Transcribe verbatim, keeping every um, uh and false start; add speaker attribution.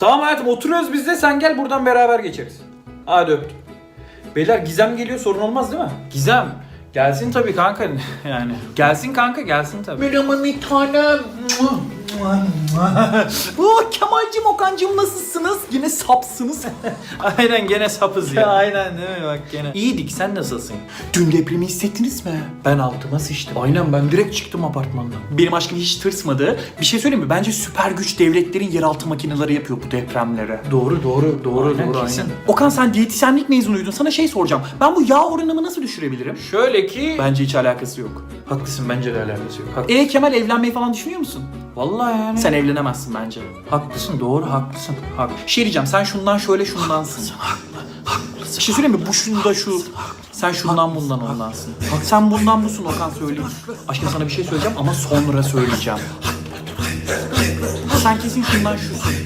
Speaker 1: Tamam hayatım, oturuyoruz biz de, sen gel buradan beraber geçeriz. Hadi öptüm. Beyler Gizem geliyor, sorun olmaz değil mi? Gizem. Gelsin tabii kanka yani. Gelsin kanka, gelsin tabii.
Speaker 2: Merhaba bir tanem. Oh, Kemal'cim, Okan'cım nasılsınız? Yine sapsınız.
Speaker 1: Aynen, gene sapız ya.
Speaker 2: Aynen değil mi bak gene.
Speaker 1: İyiydik, sen nasılsın?
Speaker 2: Dün depremi hissettiniz mi?
Speaker 1: Ben altıma sıçtım. Aynen, ben direkt çıktım apartmandan.
Speaker 2: Benim aşkım hiç tırsmadı. Bir şey söyleyeyim mi? Bence süper güç devletlerin yeraltı makineleri yapıyor bu depremlere.
Speaker 1: Doğru doğru doğru
Speaker 2: Aynen,
Speaker 1: doğru
Speaker 2: kesin.
Speaker 1: aynen.
Speaker 2: Okan, sen diyetisyenlik mezunuydun. Sana şey soracağım. Ben bu yağ oranımı nasıl düşürebilirim?
Speaker 1: Şöyle ki...
Speaker 2: Bence hiç alakası yok.
Speaker 1: Haklısın, bence de alakası yok. Hak-
Speaker 2: E Kemal, evlenmeyi falan düşünüyor musun?
Speaker 1: Vallahi yani.
Speaker 2: Sen evlenemezsin bence.
Speaker 1: haklısın, doğru haklısın. Hak.
Speaker 2: Şey diyeceğim, sen şundan şöyle şundansın. Bir şey söyleyeyim mi? Bu şunda şu. Sen şundan bundan ondansın. Bak sen bundan busun Okan, söyleyeyim. Aşkım sana bir şey söyleyeceğim ama sonra söyleyeceğim. Sen kesin şundan şusun.